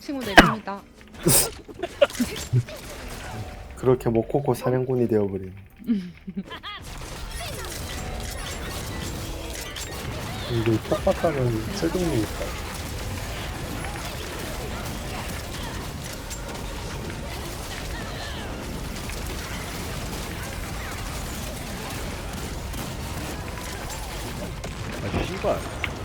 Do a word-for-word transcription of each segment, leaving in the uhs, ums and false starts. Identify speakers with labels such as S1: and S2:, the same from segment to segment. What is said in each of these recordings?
S1: 친구 내립니다.
S2: 그렇게 모코코 사냥꾼이 되어버린.
S3: 이게 빡빡하면 쓸데없니까.
S4: 아 씨발.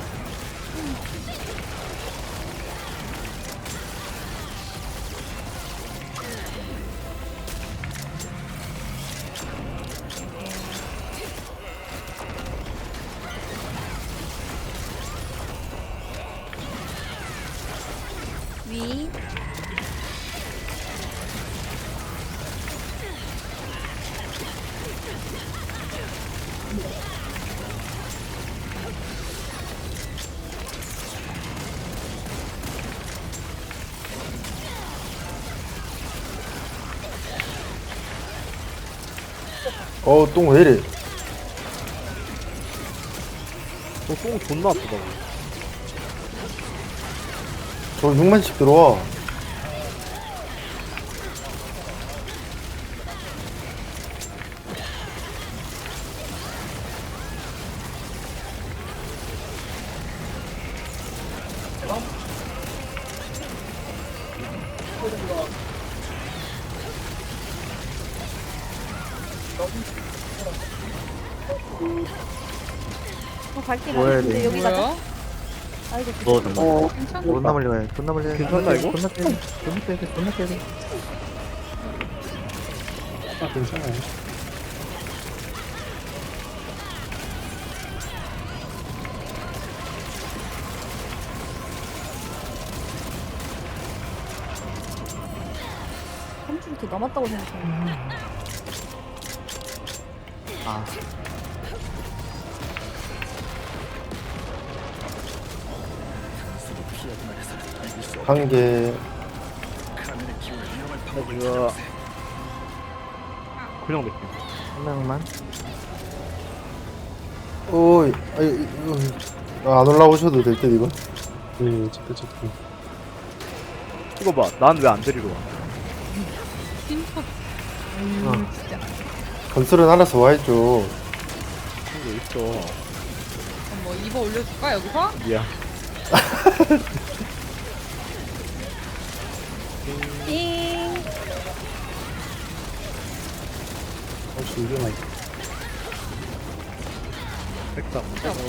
S1: 위.
S2: 어, 똥 왜 이래?
S4: 저똥 존나 아프다고.
S2: 저 육만씩 들어와.
S5: 어, 갈길
S6: 뭐야,
S5: 아닌데
S6: 이거.
S5: 여기 가자.
S1: 뭐야?
S5: 아이고
S6: 너 잠깐.
S2: 어,
S1: 괜찮아?
S6: 존나 멀리 가야 돼. 존나 멀리 가야 돼.
S4: 괜찮나, 이거?
S6: 존나 빼야 돼. 존나 빼야 돼. 존나 빼야 돼.
S3: 아, 괜찮아요.
S5: 삼 줄 이렇게 남았다고 생각해.
S6: 아.
S2: 한 개.
S4: 이거 그냥 몇 개.
S6: 한 명만.
S2: 어이, 아이, 이거, 안 올라오셔도 될 듯, 이거.
S3: 네, 제때 제때.
S4: 이거 봐. 난 왜 안 데리러 와?
S1: 진짜.
S2: 어.
S1: 음, 진짜.
S2: 건설은 알아서 와야죠.
S4: 이거 있어.
S1: 그럼 뭐 입어 올려줄까 여기서?
S4: 미안.
S5: 띵.
S3: 어, 준비가 있어.
S4: 백상.
S1: 진짜 없다.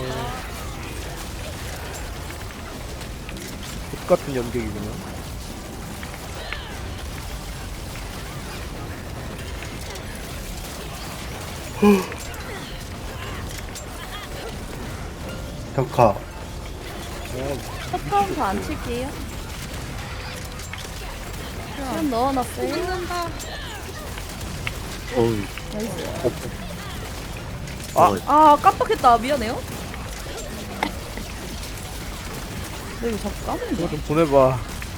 S4: 똑같은 연객이구나.
S2: 벽화.
S4: 어,
S5: 첫 카운터 안 칠게요. 그럼 넣어놨어요.
S1: 죽는다.
S6: 어이.
S5: 나이스.
S4: 아.
S5: 아 깜빡했다. 미안해요. 너 이거 자꾸 까먹는
S4: 이거
S5: 거야?
S4: 좀 보내봐.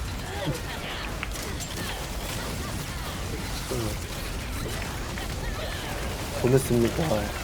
S2: 보냈습니다.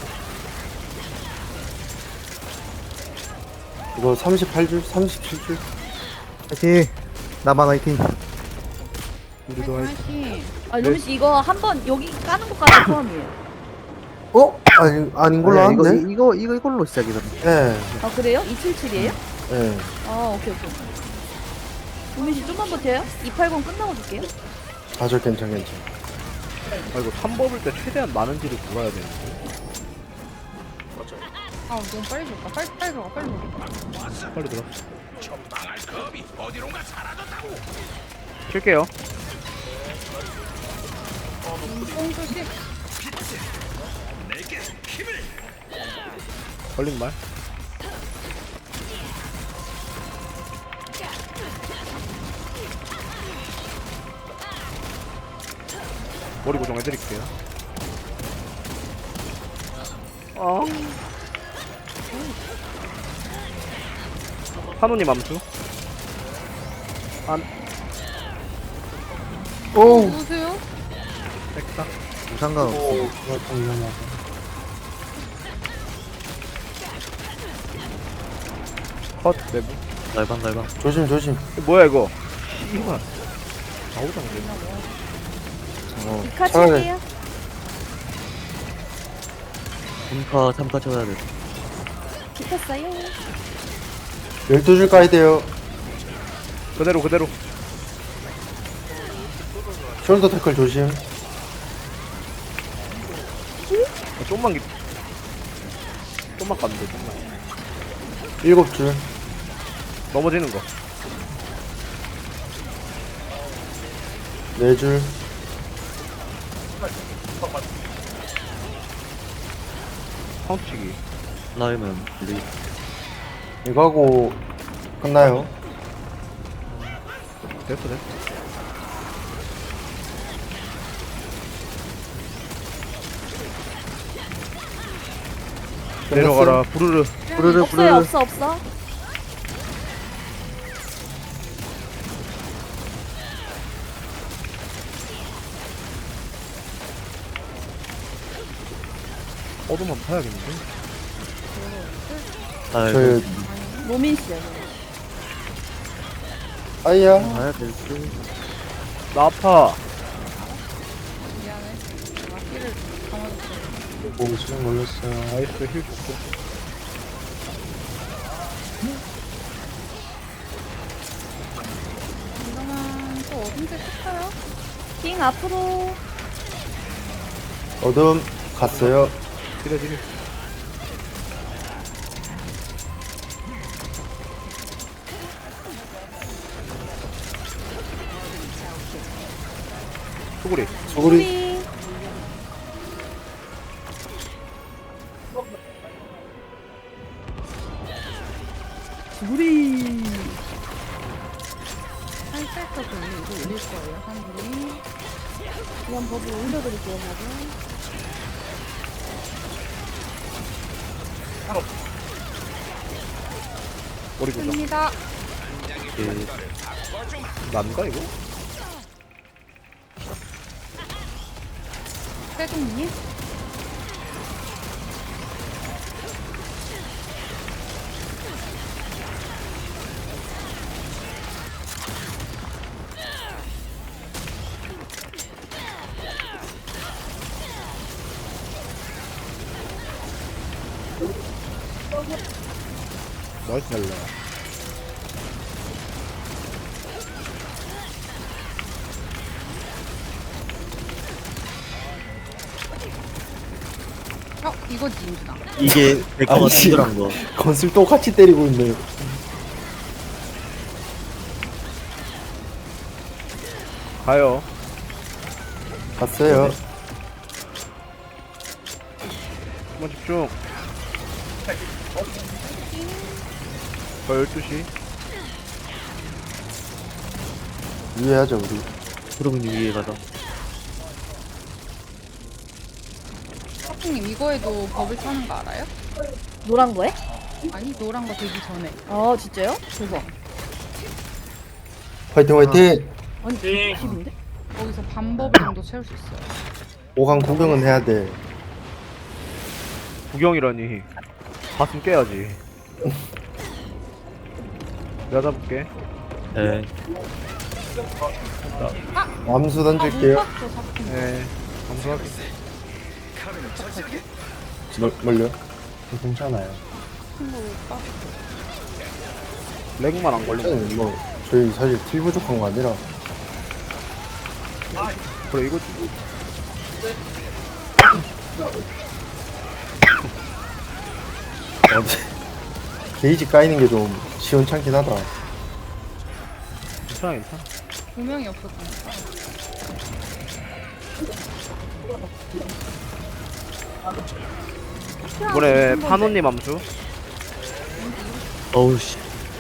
S2: 이거 삼십팔 줄? 삼십칠 줄?
S6: 화이팅. 나만 화이팅.
S4: 우리도 할.
S1: 화이팅.
S5: 아 루미씨 이거 한 번 여기 까는 것까지 포함이에요.
S2: 어? 아니, 아닌 걸로
S6: 아니야, 이거,
S2: 아는데?
S6: 이거, 이거, 이걸로 시작이거든.
S2: 예,
S5: 아 그래요? 이백칠십칠이에요?
S2: 예.
S5: 아 오케이 오케이. 루미씨 좀만 버텨요. 이백팔십 끝나고 줄게요.
S2: 아, 저 괜찮, 괜찮.
S4: 아 이거 삼 법을 때 최대한 많은지를 몰아야 되는데.
S1: 아 너무 빨리 줄까? 빨리 빨리 들어가 빨리 들어가.
S4: 빨리 들어. 킬게요.
S1: 똥 조심.
S4: 걸린 말. 머리 고정해드릴게요. 아. 한우님 암수. 안.
S2: 오우,
S1: 누구세요?
S4: 백사.
S6: 상관없어.
S3: 이거 좀 위험하고.
S4: 컷 내부.
S6: 날방, 날방.
S2: 조심, 조심.
S4: 이거 뭐야 이거? 씨발. 나오잖아.
S6: 어
S5: 이카
S2: 차라리-
S5: 칠게요.
S6: 삼카 삼카 쳐야 돼.
S5: 붙었어요.
S2: 열두 줄 까야 돼요.
S4: 그대로 그대로.
S2: 숄더 태클 조심.
S4: 아, 좀만 기. 좀만 가면 돼. 좀만.
S2: 일곱 줄.
S4: 넘어지는 거.
S2: 네 줄.
S4: 카운트치기.
S6: 라이면 리.
S2: 이거 하고 끝나요.
S4: 됐어 됐어. 내려가라. 부르르.
S6: 부르르
S5: 없어요.
S6: 부르르.
S5: 없어 없어.
S4: 어둠 한번 타야겠는데.
S6: 아
S2: 저희
S5: 로민 씨요.
S2: 아이야.
S6: 가야 될 듯.
S4: 나 아파.
S1: 미안해. 내가 힐을 감아줬어.
S3: 오 수면 걸렸어요.
S4: 나이스 힐 좋고.
S1: 이러면 또 어딘지 했어요?
S5: 킹 앞으로.
S2: 어둠 갔어요.
S4: 딜해 딜해. 소구리.
S2: 소구리.
S5: 우리 우리
S1: 살짝 더 돌리 이거 올릴 거예요. 한 분이.
S5: 그냥 버블 올려드릴게요. 버블.
S4: 머리 고정.
S1: 씁니다.
S4: 난가 이거?
S1: 세종님.
S4: 나이스 날라.
S1: 어 이거지 인준아.
S6: 이게 백화가
S2: 아이씨.
S6: 친절한 거.
S2: 건슬 똑같이 때리고 있네요.
S4: 가요.
S2: 갔어요.
S4: 한번 집중. 저 열두 시.
S2: 유의하죠 우리.
S6: 그러면 위에 가자.
S1: 사풍님 이거에도 버블 타는 거 알아요?
S5: 노란 거에?
S1: 아니 노란 거 되기 전에.
S5: 아 진짜요? 대박.
S2: 화이팅 화이팅.
S5: 아니 백십인데?
S1: 거기서 반 버블 정도 채울 수 있어요.
S2: 오 강 구경은 해야 돼.
S4: 구경이라니. 가슴 깨야지. 내가 잡을게.
S6: 네.
S2: 암수
S1: 아못
S2: 던질게요.
S1: 봤어 사풍님.
S4: 네. 감사하게.
S2: 멀, 멀려.
S3: 괜찮아요.
S1: 못 봤어.
S4: 렉만 안 걸리면.
S2: 아니, 뭐 저희 사실 딜 부족한 거 아니라
S4: 그래 이거
S2: 어디 게이지 까이는 게 좀 시원찮긴 하다.
S4: 괜찮아 괜찮아.
S1: 두 명이 없었으니까.
S4: 이번에 파노님 암수.
S6: 어우 씨.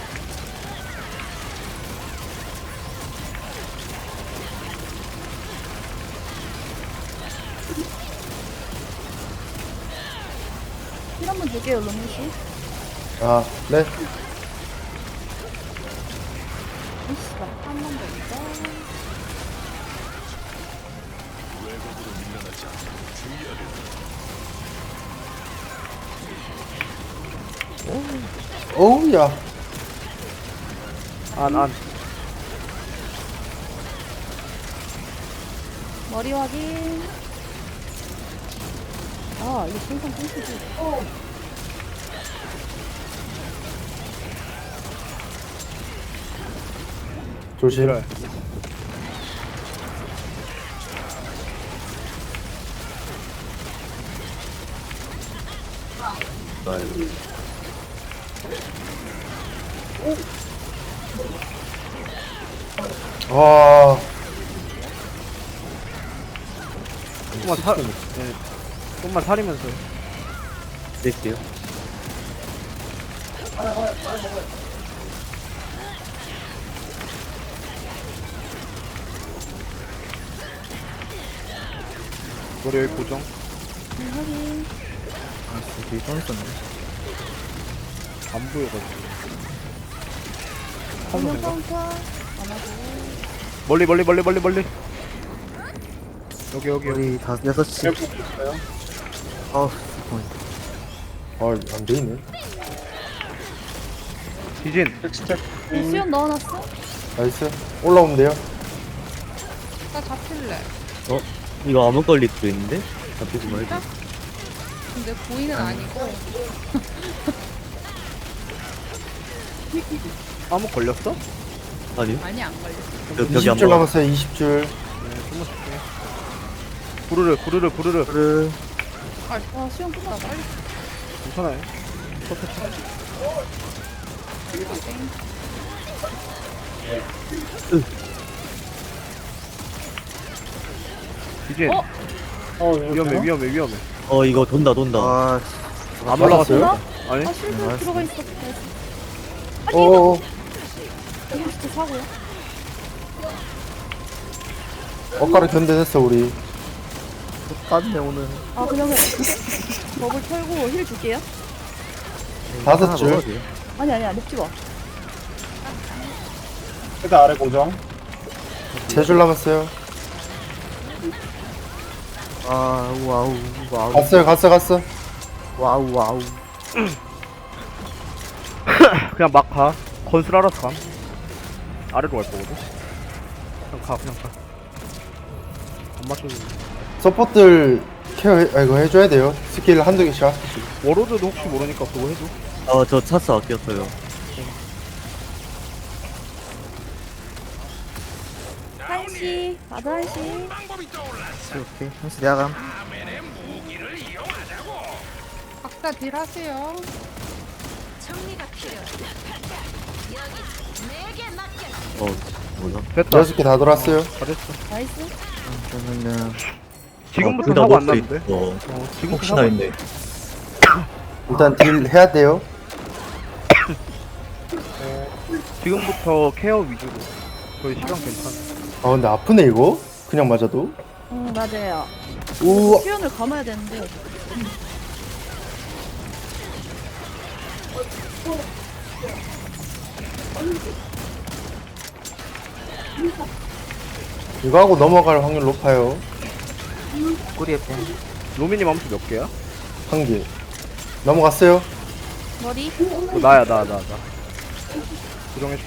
S5: 힐 한번 줄게요, 로민 씨.
S2: 아 네.
S5: 이씨가 한 번 더 있어.
S2: 어우야.
S4: 안 안.
S5: 머리 확인. 아, 이게 생선 끊기지.
S2: 조심.
S4: 그래.
S2: 와,
S4: 조금만 사, 네. 조금만 사리면서.
S6: 낼게요.
S4: 머리 여기 고정.
S5: 음, 확인.
S6: 아, 되게 떠있었네.
S4: 안 보여가지고.
S5: 정면 카운터. 안 하고.
S4: 멀리, 멀리, 멀리, 멀리, 멀리. 여기, 여기, 여기.
S6: 우리 다섯, 여섯 시.
S3: 셀프 있어요?
S6: 어,
S2: 아, 안 되네.
S4: 디진.
S3: 텍스트
S5: 수염 넣어놨어?
S2: 나이스. 올라오면 돼요.
S1: 나 잡힐래.
S6: 어? 이거 암흑 걸릴 수도 있는데? 잡히지 말고.
S1: 근데 고인은 아니고.
S4: 아무 걸렸어?
S6: 아니요?
S1: 많이 안 걸렸어.
S6: 저 벽이 안
S2: 이십 줄
S6: 봐.
S2: 남았어요, 이십 줄.
S4: 네, 좀만 줄게. 부르르, 부르르, 부르르.
S6: 그래.
S5: 아, 수염 끝났다.
S1: 빨리
S4: 괜찮아요. 디진.
S5: 어?
S3: 어, 이거
S4: 위험해,
S3: 되나?
S4: 위험해, 위험해.
S6: 어, 이거 돈다, 돈다.
S2: 아,
S4: 안 올라갔어요?
S5: 되나?
S4: 아니?
S5: 아, 실드
S6: 알았어.
S5: 들어가 있어.
S2: 어어어.
S5: 이거 진짜 사고야.
S2: 엇가루 견뎌냈어, 우리.
S6: 땄네, 오늘.
S5: 아, 그러면 버블 털고 힐 줄게요.
S2: 다섯 줄.
S5: 아니, 아니야. 먹지 마.
S3: 헤드 아래 고정.
S2: 세 줄 남았어요.
S6: 아, 와우, 와우.
S2: 갔어요, 갔어, 갔어.
S6: 와우, 와우.
S4: 그냥 막 가. 건술 알아서 감. 아래로 갈 거거든. 그냥 가, 그냥 가. 안 맞춰도.
S2: 서포트를 케어, 해, 아, 이거 해줘야 돼요. 스킬 한두 개씩 하시고.
S4: 워로드도 혹시 모르니까 그거 해줘.
S6: 어, 저 차스 아꼈어요.
S5: 한시. 나도 한시.
S6: 오케이. 한시 내가 감.
S1: 각자 딜 하세요.
S6: 어, 뭐나?
S4: 됐다.
S2: 여섯 개 다 돌았어요.
S4: 잘했어.
S5: 나이스.
S6: 그러면은.
S4: 지금부터
S6: 어, 둘다
S4: 사고 안
S6: 먹을 수
S4: 났는데?
S6: 있어.
S4: 어, 지금부터
S6: 혹시나
S4: 사고
S6: 했네.
S2: 일단 딜 해야 돼요.
S4: 지금부터 케어 위주로. 저희 시간 괜찮아.
S2: 아, 근데 아프네, 이거? 그냥 맞아도.
S5: 응, 맞아요.
S2: 우와.
S5: 수연을 감아야 되는데.
S2: 이거 하고 넘어갈 확률 높아요.
S6: 꼬리에 뽕.
S4: 로미님 암수 몇 개야?
S2: 한 개. 넘어갔어요.
S5: 머리.
S4: 어, 나야, 나, 나, 나. 고정해줄게.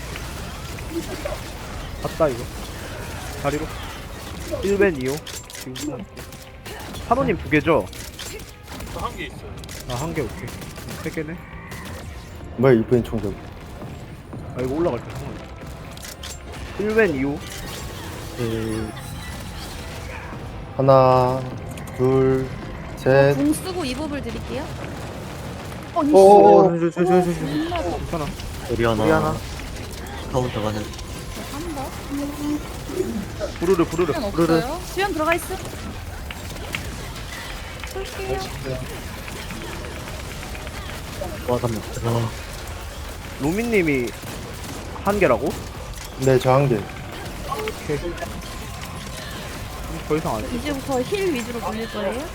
S4: 갔다, 이거. 다리로. 일 벤 이 호. 지금 끊어줄게. 한호님 두 개죠? 한 개 있어요. 아, 한 개, 오케이. 세 개네.
S2: 뭐야, 이번엔 총격.
S4: 아, 이거 올라갈 때 상관없어. 일 벤 이 호.
S6: 그,
S2: 하나, 둘, 셋.
S5: 궁 쓰고 이법을 드릴게요. 어, 니
S2: 오,
S6: 저, 저, 저, 저, 저, 저.
S4: 괜찮아.
S6: 우리 하나.
S2: 우리 하나.
S6: 카운터 가는.
S1: 한번.
S4: 부르르, 부르르.
S1: 시간 없어요.
S5: 수연 들어가 있어. 쏠게요.
S6: 와, 잠깐만. 와.
S4: 로미님이 한 개라고?
S2: 네, 저 한 개.
S4: 오케이. 그럼 더 이상 안 해.
S5: 이제부터 힐 위주로 돌릴 거예요.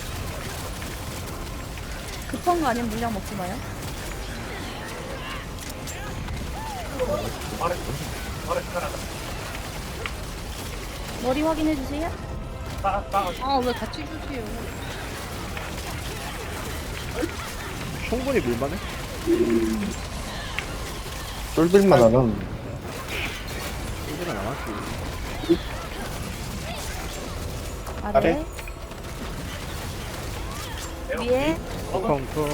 S5: 급한 거 아니면 물량 먹지 마요. 머리 확인해 주세요.
S1: 아, 왜 같이 주세요?
S4: 충분히 밀만해?
S2: 쫄들만 안 하면.
S4: 이제는 안 하지.
S5: 아래. 위에.
S4: 카운터.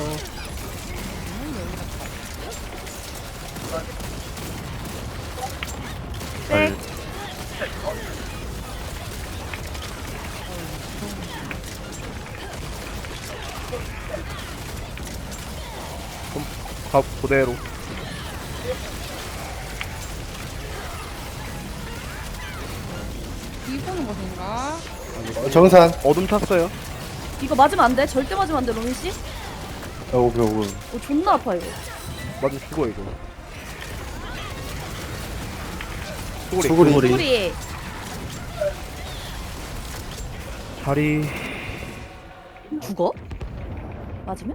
S5: 백.
S4: 가 그대로.
S1: 이거는 것인가?
S2: 어, 정산.
S4: 어둠 탔어요.
S5: 이거 맞으면 안 돼. 절대 맞으면 안 돼, 로민 씨.
S2: 어, 오케이, 오케이.
S5: 오, 존나 아파 이거.
S4: 맞아 죽어 이거. 수고리.
S2: 수구리.
S5: 소리.
S4: 자리.
S5: 죽어? 맞으면?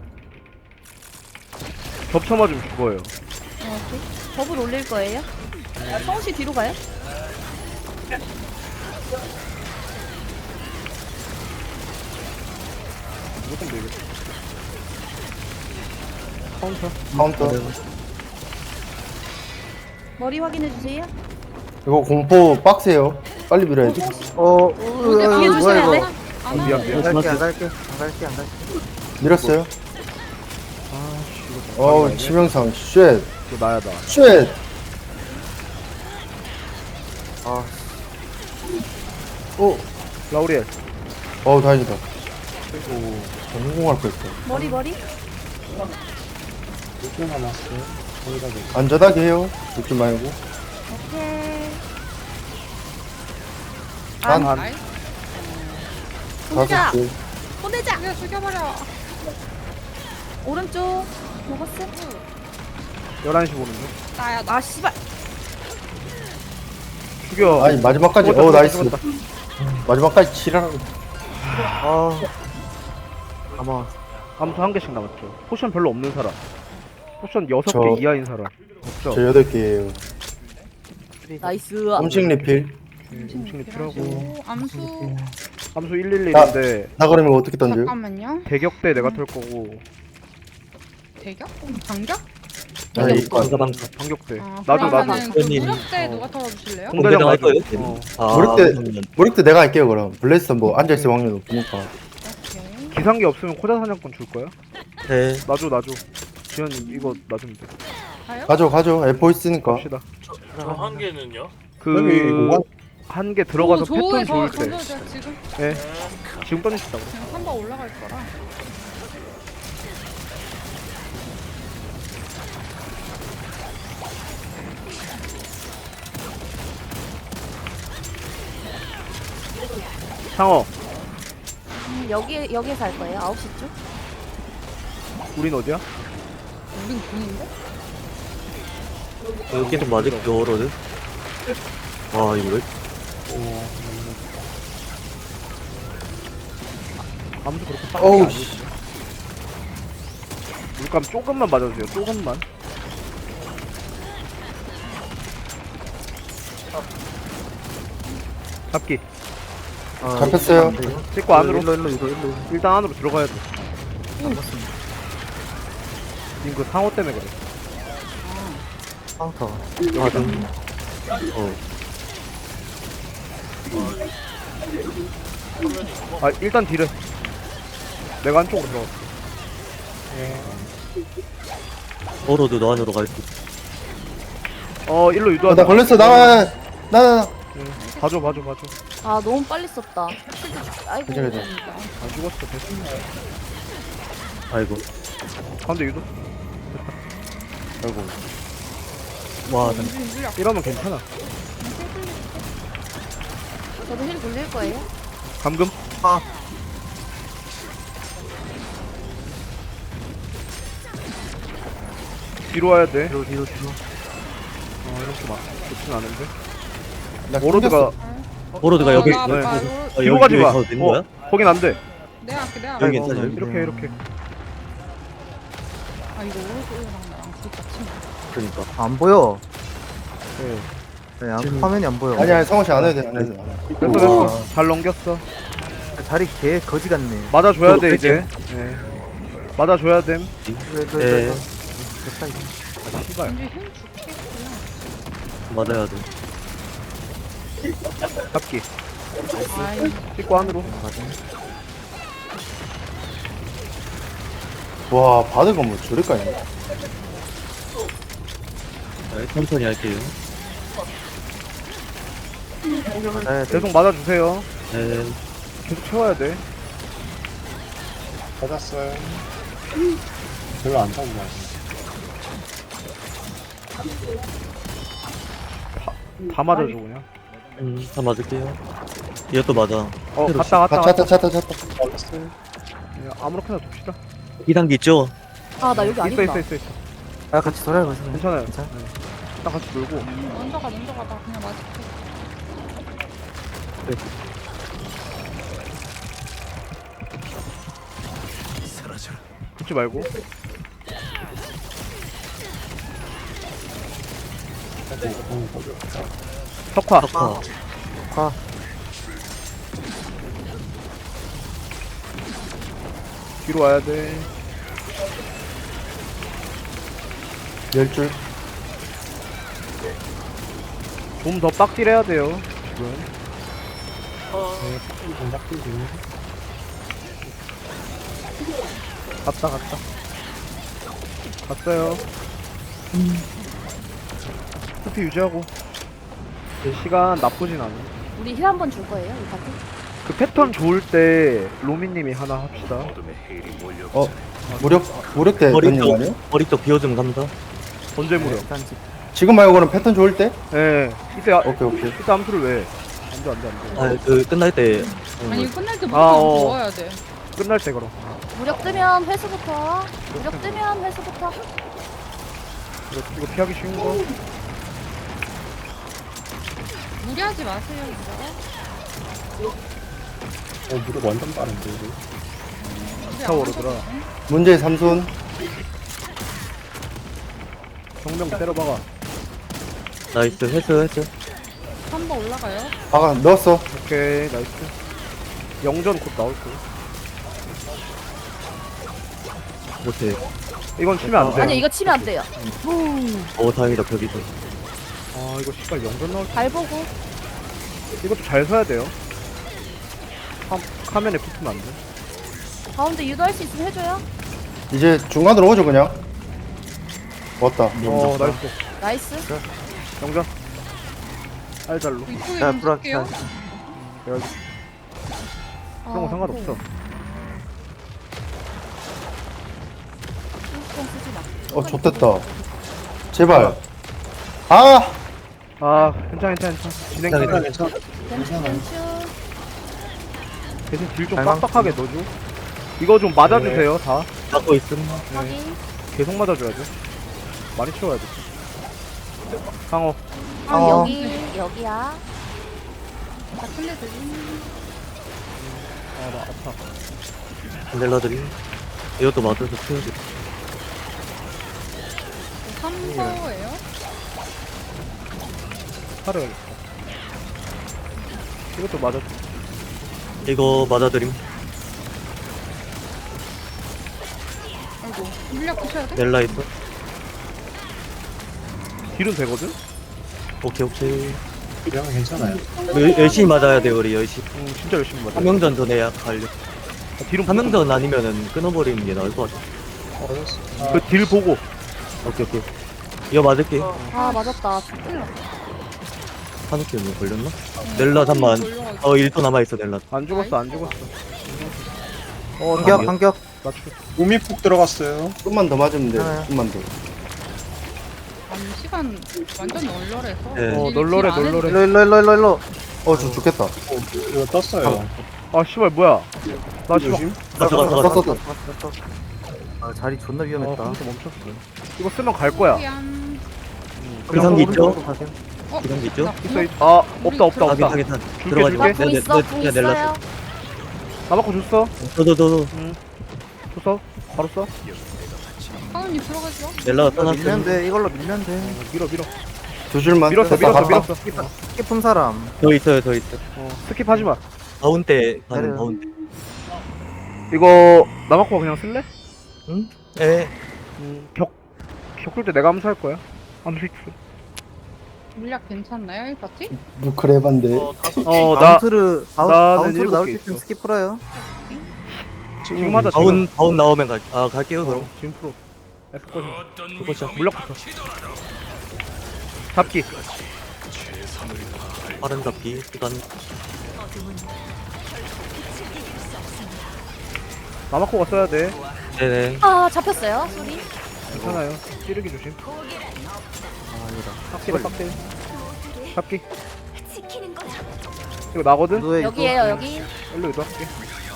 S4: 겹쳐 맞으면 죽어요.
S5: 어, 오케이. 법을 올릴 거예요? 성우 씨 뒤로 가요?
S4: 무조건 되겠다. 카운터.
S2: 카운터.
S5: 머리 확인해 주세요.
S2: 이거 공포 빡세요. 빨리 밀어야지.
S7: 어,
S5: 뒤에 조심해야 돼.
S4: 어, 미안 미안.
S7: 안 갈게, 안 갈게, 안 갈게, 안 갈게.
S2: 밀었어요.
S4: 아씨 이거.
S2: 어우, 치명상. 쉣.
S4: 이거 나야 나.
S2: 쉣.
S7: 아,
S2: 어,
S4: 라우리엘.
S2: 어우, 다행이다.
S4: 오.
S2: 성공할 거 있어.
S5: 머리 머리.
S3: 육 분 남았어요. 거기다 돼.
S2: 안전하게 해요. 죽지 말고.
S5: 오케이.
S2: 안,
S4: 안.
S1: 아이,
S5: 보내자.
S2: 다섯 줄.
S5: 보내자.
S1: 그냥 죽여버려.
S5: 오른쪽. 먹었어?
S4: 열한 시 보는 중.
S1: 나야, 나.
S5: 아 씨발.
S4: 죽여.
S2: 아니, 마지막까지.
S4: 죽었다,
S2: 어,
S4: 죽었다,
S2: 나이스.
S4: 죽었다.
S2: 마지막까지 치라고.
S7: 아. 아마,
S4: 아무튼 한 개씩 남았죠. 포션 별로 없는 사람. 포션 여섯
S2: 저-
S4: 개 이하인 사람. 없죠.
S2: 저 여덟 개예요.
S5: 나이스.
S2: 음식 리필.
S4: 음식 리필하고.
S1: 오, 암수.
S4: 함수 일일일인데
S2: 나 그러면 어떻게 던져요?
S1: 잠깐만요.
S4: 대격대 내가 털 거고
S1: 대격? 반격?
S2: 아니, 이거
S6: 방가 방가.
S4: 반격대.
S1: 아,
S4: 나도 나도.
S1: 그러면은 그
S6: 그러니.
S1: 무력대
S4: 어.
S1: 누가 털어주실래요?
S4: 공대장
S6: 공대장 할
S4: 맞아.
S6: 거예요?
S4: 어.
S6: 아,
S2: 모를 때-
S6: 그러면
S2: 모를 때 내가 할게요, 그럼. 블레스터 뭐 앉아있을 확률 높으니까.
S1: 오케이.
S4: 기상기 없으면 코자 사냥권 줄 거야?
S6: 네.
S4: 나줘 나줘. 지현이 이거 놔주면 돼.
S1: 가요?
S2: 가죠, 가죠. 에포 있으니까.
S4: 갑시다.
S8: 저 한 개는요?
S3: 여기
S4: 그
S3: 공간-
S4: 한 개 들어가서
S1: 오,
S4: 패턴
S1: 저에
S4: 좋을
S1: 더
S4: 때.
S1: 던져줘, 지금.
S4: 예. 지금 던지시다고.
S1: 그냥 한 번 올라갈 거라.
S4: 상어.
S5: 음, 여기 여기에서 할 거예요. 아홉 시 쪽.
S4: 우린 어디야?
S1: 우린 군인데?
S6: 여기 좀 맞을게요, 어로드. 와, 이거 왜?
S4: 아무도 그렇게 빠르게
S2: 어우,
S4: 안
S2: 씨.
S4: 해. 물감 조금만 맞아주세요. 조금만. 잡기.
S7: 아,
S2: 잡혔어요.
S4: 찍고 안으로.
S7: 일로, 일로, 일로, 일로.
S4: 일단 안으로 들어가야 돼. 지금 그 상어 때문에 그래.
S7: 카운터.
S6: 맞아. 어.
S4: 아 일단 딜은 내가 안쪽으로 들어가.
S6: 어로드 너 안으로 갈 수. 있어.
S4: 어 일로
S2: 어,
S4: 유도하자.
S2: 나 걸렸어. 나, 나, 나.
S4: 응. 봐줘 봐줘 봐줘.
S5: 아 너무 빨리 썼다. 아이고.
S2: 괜찮아, 괜찮아.
S4: 안 죽었어 됐어.
S6: 아이고.
S4: 가운데 유도.
S2: 아이고.
S6: 와, 나
S4: 이러면 괜찮아.
S5: 저도 힐 돌릴 거예요.
S4: 감금.
S7: 아.
S4: 뒤로 와야 돼.
S7: 뒤로, 뒤로, 뒤로.
S4: 어 이렇게 막 좋진 않은데.
S2: 나
S4: 오로드가
S6: 어로드가 여기.
S1: 아,
S4: 네.
S1: 나 바로-
S6: 아,
S4: 뒤로
S6: 여기
S4: 가지 마.
S6: 가도 되는 거야?
S4: 어, 거긴 안 돼.
S1: 내가 할게, 내가
S6: 여기
S1: 할게.
S6: 괜찮아, 여기.
S4: 이렇게 이렇게.
S1: 아, 이거 오른쪽이랑 나랑 붙었지.
S6: 그러니까.
S7: 안 보여.
S4: 네.
S7: 네, 안- 화면이 안 보여.
S2: 아니, 아니, 성호 씨안 해도 돼. 안 해도 돼.
S4: 됐어 됐어. 잘 넘겼어.
S7: 자리 개 거지 같네.
S4: 맞아줘야 돼
S6: 또
S4: 이제. 네. 맞아줘야 됨.
S7: 왜, 왜,
S6: 네.
S7: 왜, 왜. 됐다, 이거.
S4: 아, 씨발.
S1: 이제 힘 죽겠구나.
S6: 맞아야 돼.
S4: 잡기.
S1: 아이,
S4: 찍고 안으로.
S2: 와 바드가 뭐 저럴까요?
S6: 네, 천천히 할게요.
S7: 네,
S4: 계속 맞아주세요.
S6: 네.
S4: 계속 채워야 돼.
S3: 받았어요. 별로 안 타고 가요.
S4: 다 맞아줘 그냥.
S6: 음, 다 맞을게요. 이것도 맞아.
S4: 어
S6: 새로
S4: 갔다
S2: 아
S4: 갔다
S2: 찼다
S4: 갔다.
S2: 찼다 찼다.
S3: 받았어요.
S4: 그냥 아무렇게나 둡시다.
S6: 이 단계 있죠?
S5: 아, 나 여기
S4: 있어
S5: 아니구나.
S4: 있어 있어 있어.
S7: 아 같이 돌아요 가세요.
S4: 괜찮아요.
S7: 괜찮아.
S4: 네. 딱 같이 놀고.
S1: 먼저 가, 먼저 가. 나 그냥 맞을게.
S4: 붙지 말고. 석화.
S6: 석화.
S7: 가.
S4: 뒤로 와야 돼.
S2: 열 줄.
S4: 좀 더 빡딜 해야 돼요. 지금.
S3: 공작들 중에.
S4: 갔다 갔다. 갔어요. 스피 유지하고. 시간 나쁘진 않아.
S5: 우리 힐 한 번 줄 거예요, 이 파티?
S4: 그 패턴 좋을 때 로미님이 하나 합시다.
S2: 어 무력 무력 때
S6: 머리
S2: 던진 거
S6: 쪽,
S2: 아니에요?
S6: 머리 쪽 비워주면 갑니다.
S4: 언제 무려?
S7: 일단 집.
S2: 지금 말고는 패턴 좋을 때?
S4: 예. 이때 아,
S2: 오케이 오케이.
S4: 이때 암수를 왜? 안돼 안돼 안돼.
S6: 아, 그, 끝날 때.
S1: 아니, 이거 끝날 때
S4: 아,
S1: 무조건
S4: 어.
S1: 모아야 돼.
S4: 끝날 때 그럼.
S5: 무력 뜨면 회수부터. 무력 뜨면 회수부터.
S4: 이거, 이거 피하기 쉬운 거.
S1: 무리하지 마세요, 이거.
S3: 어, 무릎 완전 빠른데, 이거.
S1: 무리 안
S4: 타워 오르더라.
S2: 문제의 삼손.
S4: 정명 때려박아.
S6: 나이스, 했어, 했어.
S1: 한 번 올라가요.
S2: 아가 넣었어.
S4: 오케이 나이스. 영전 곧 나올 거.
S6: 못해.
S4: 이건 치면 안 돼.
S5: 아니, 이거 치면 안 돼요.
S6: 어, 다행이다, 벽이다.
S4: 아 이거 시발 영전 나올.
S5: 발 보고.
S4: 이것도 잘 서야 돼요. 카, 카면에 붙으면 안 돼.
S5: 가운데 유도할 수 있으면 해줘요.
S2: 이제 중간으로 오죠 그냥. 왔다.
S4: 어 나이스.
S5: 나이스.
S4: 영전. 알잘로.
S1: 이쪽에
S7: 야,
S1: 좀
S7: 불안-
S1: 쓸게요.
S4: 그런 거
S5: 아,
S4: 상관없어.
S5: 네. 신경 쓰지 마.
S2: 어 좋댔다. 제발. 아
S4: 아 괜찮아 괜찮아 괜찮아. 진행
S6: 괜찮아,
S4: 진행.
S5: 벤츠, 벤츠.
S4: 대신 딜 좀
S7: 발망-
S4: 빡빡하게 넣어줘. 이거 좀 맞아주세요 다.
S6: 맞고 있음.
S5: 확인.
S4: 계속 맞아줘야 돼. 많이 치워야 돼. 상어.
S5: 아,
S7: 어.
S5: 여기, 여기야.
S1: 다 클레드리.
S4: 아나 아파.
S6: 넬라들이. 이것도 맞아서 채워줘.
S1: 삼 서예요.
S4: 살아야겠다. 이것도 맞아줘.
S6: 이거 맞아드림.
S1: 아이고, 물약 부셔야 돼?
S6: 넬라 있어.
S4: 딜은 되거든?
S6: 오케이, 오케이.
S3: 이러면 괜찮아요.
S6: 열- 열심히 맞아야 돼, 우리 열심히.
S4: 응 진짜 열심히 맞아.
S6: 한명전 전에 약 갈려.
S4: 아, 딜은
S6: 한명전 아니면은 끊어버리는 게 나을 것 같아.
S3: 받았어.
S4: 그 딜 보고.
S6: 오케이, 오케이. 이거 맞을게.
S5: 아, 맞았다.
S6: 한우키 뭐 걸렸나? 넬라 잠만. 어, 일 도 남아있어, 넬라.
S4: 안 죽었어 안 죽었어. 어
S7: 반격
S4: 나
S7: 반격.
S4: 맞추.
S3: 몸이 푹 들어갔어요.
S2: 좀만 더 맞으면 돼.
S7: 네.
S2: 좀만 더.
S1: 아니, 시간 완전 널널해서.
S6: 네.
S4: 어,
S1: 딜-
S4: 널널해,
S1: 딜안 해도
S4: 널널해.
S7: 일로 일로 일로 일로 일로.
S2: 어저 죽겠다.
S3: 이거 떴어요.
S4: 아 씨발 뭐야? 나 지금.
S3: 조심.
S6: 가자, 가자, 가자.
S2: 썼어.
S7: 아 자리 존나
S4: 어
S7: 위험했다.
S4: 컴퓨터 멈췄어. 이거 쓰면 갈 거야.
S1: 미안.
S6: 기상기 있죠?
S7: 오른쪽으로 가세요.
S1: 어,
S6: 기상기 있죠?
S1: 나
S4: 있어 있. 아 없다 없다
S6: 아,
S4: 없다.
S6: 괜찮아, 괜찮아.
S4: 줄게,
S6: 들어가지 마.
S5: 나
S4: 줄게.
S5: 궁
S6: 네,
S5: 있어,
S6: 네,
S5: 궁
S6: 네, 넬라.
S5: 있어요.
S4: 나바코 줬어.
S6: 더, 더, 더, 더.
S4: 줬어. 바로 써.
S1: 하은님 들어가지 마.
S6: 넬라가
S7: 이걸로 밀면
S6: 떠났어.
S7: 돼. 이걸로 밀면 돼.
S4: 밀어 밀어.
S2: 두 줄만.
S4: 밀었어
S2: 됐다,
S4: 밀었어
S2: 갔다.
S4: 밀었어.
S7: 깊은 사람.
S6: 더 있어요, 더 있어.
S4: 어 스킵하지 마.
S6: 다운 때 가는
S7: 내려요.
S6: 다운 때.
S4: 이거 나바코가 그냥 쓸래?
S6: 응? 에.
S4: 음, 격 격돌 때 내가 암수할 거야. 암수 픽스.
S1: 물약 괜찮나요, 이 파티?
S2: 누크레반데.
S4: 어, 나
S7: 바운트를 바운,
S4: 나는
S7: 바운트로
S4: 일곱
S7: 나올
S4: 개
S7: 때쯤
S4: 있어.
S7: 스킵 풀어요.
S4: 지금 하자.
S6: 바운 바운 나오면 갈. 아 갈게요
S4: 지금.
S6: 그럼.
S4: 어, 지금 프로. 에스코지.
S6: 그거죠.
S4: 물약부터. 잡기.
S6: 빠른 잡기 시간.
S4: 나마코가 써야 돼.
S6: 네네.
S5: 아 잡혔어요 소리.
S4: 괜찮아요. 찌르기 조심. 빡대로 빡대. 잡기. 이거 나거든?
S7: 유도에
S5: 여기에요 여기.
S4: 일로 이동할게.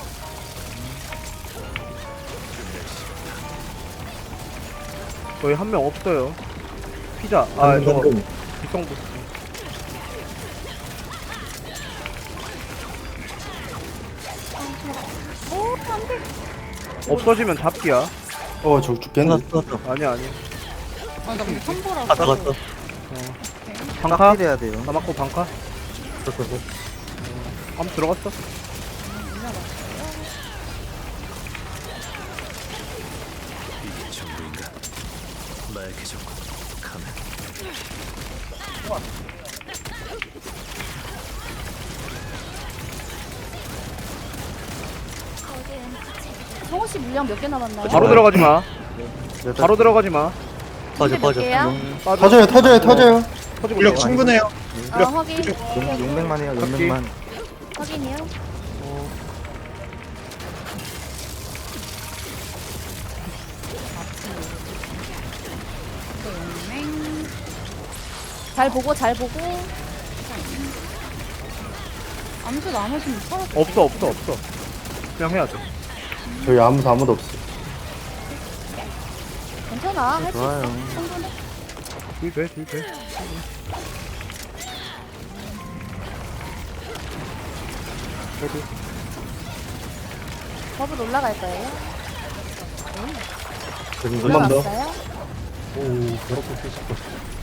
S4: 저희 한 명 없어요. 피자. 아,
S6: 방금,
S4: 저거
S6: 방금.
S4: 비성부.
S5: 오 안돼.
S4: 없어지면 잡기야.
S2: 어, 저 죽겠네.
S6: 끝났어 끝났어.
S4: 아니야, 아니야.
S1: 아, 나 우리 선보라서.
S6: 갔다 갔어.
S4: 방카?
S7: 빡딜해야 돼요.
S4: 나맞고 방카?
S6: 갔어 갔어.
S4: 아무 들어갔어?
S5: 성호 씨 물량 몇 개 남았나요?
S4: 바로 들어가지 마.
S7: 여덟
S4: 바로 들어가지 마.
S6: 빠져
S5: 몇
S6: 빠져.
S5: 개야?
S4: 빠져.
S2: 터져요, 터져요, 터져요.
S4: 터지고
S3: 물력
S4: 있어.
S3: 충분해요.
S5: 아 확인.
S7: 용맹만 해요.
S4: 잡기.
S7: 용맹만.
S5: 확인이요.
S1: 용맹.
S5: 잘 보고 잘 보고.
S1: 암수 나머지는 털어.
S4: 없어, 없어, 없어. 그냥 해야 돼.
S2: 저희 아무도 아무도 없어.
S5: 괜찮아 할 수
S7: 좋아요.
S5: 있어. 충분해.
S4: 딜 돼, 딜 돼. 그래도
S5: 버블 올라갈 거예요.
S6: 한번 더.
S5: 올라갔어요?
S3: 오, 저렇게 쓰실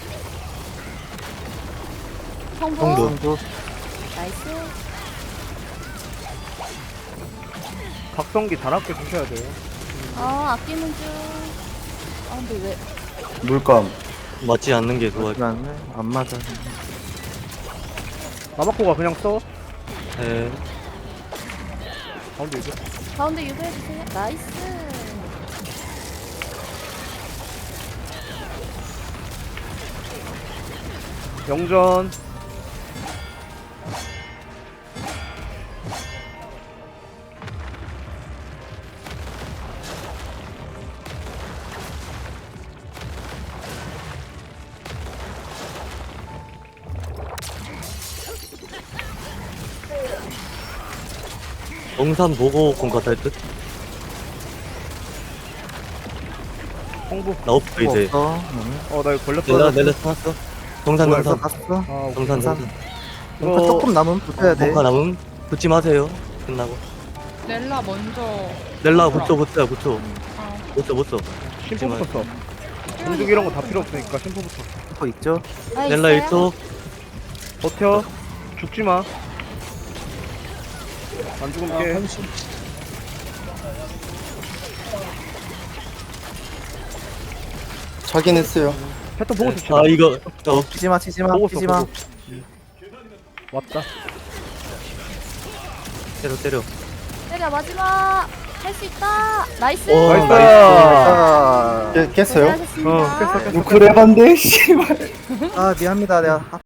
S5: 성부.
S6: 성부.
S7: 성부.
S5: 나이스.
S4: 각성기 잘 아껴 주셔야 돼요.
S5: 아 아끼는 중. 아 근데 왜?
S2: 물감.
S6: 맞지 않는 게 좋아.
S7: 맞네. 안 맞아.
S4: 나마코가 그냥 써.
S6: 네.
S4: 가운데 이거.
S5: 가운데 유도해 주세요. 나이스.
S4: 영전.
S6: 영산 보고 공과 살 듯.
S4: 홍보.
S6: 나 없어 이제.
S7: 없어. 응.
S4: 어, 나 이거 걸렸어.
S6: 넬라 넬라 찾았어. 정산
S7: 벌써
S6: 정산.
S7: 갔어.
S4: 아,
S6: 정산
S7: 정산.
S6: 정산.
S7: 뭔가 조금 남으면 붙어야 돼.
S6: 뭔가 남음 붙지 마세요. 끝나고.
S1: 넬라 먼저.
S6: 넬라 붙여 붙여 붙여.
S1: 아,
S6: 붙여 붙여.
S4: 심포부터 써. 공중 이런 거 다 필요 없으니까 심포부터.
S7: 슈퍼 있죠?
S5: 아,
S6: 넬라
S5: 있어요?
S6: 일 초.
S4: 버텨. 죽지 마. 안 죽으면 깨.
S2: 차긴 했어요.
S4: 패턴 보고 씁시다.
S6: 아 이거 어,
S7: 치지마 치지마
S4: 보고 써,
S7: 치지마.
S4: 보고. 왔다.
S6: 때려 때려.
S5: 때려 마지막. 할 수 있다. 나이스.
S6: 오,
S4: 나이스.
S7: 아,
S2: 깨, 깼어요?
S5: 고생하셨습니다.
S4: 어, 깼어, 깼어.
S2: 누크레반데, 씨발.
S7: 아 미안합니다. 내가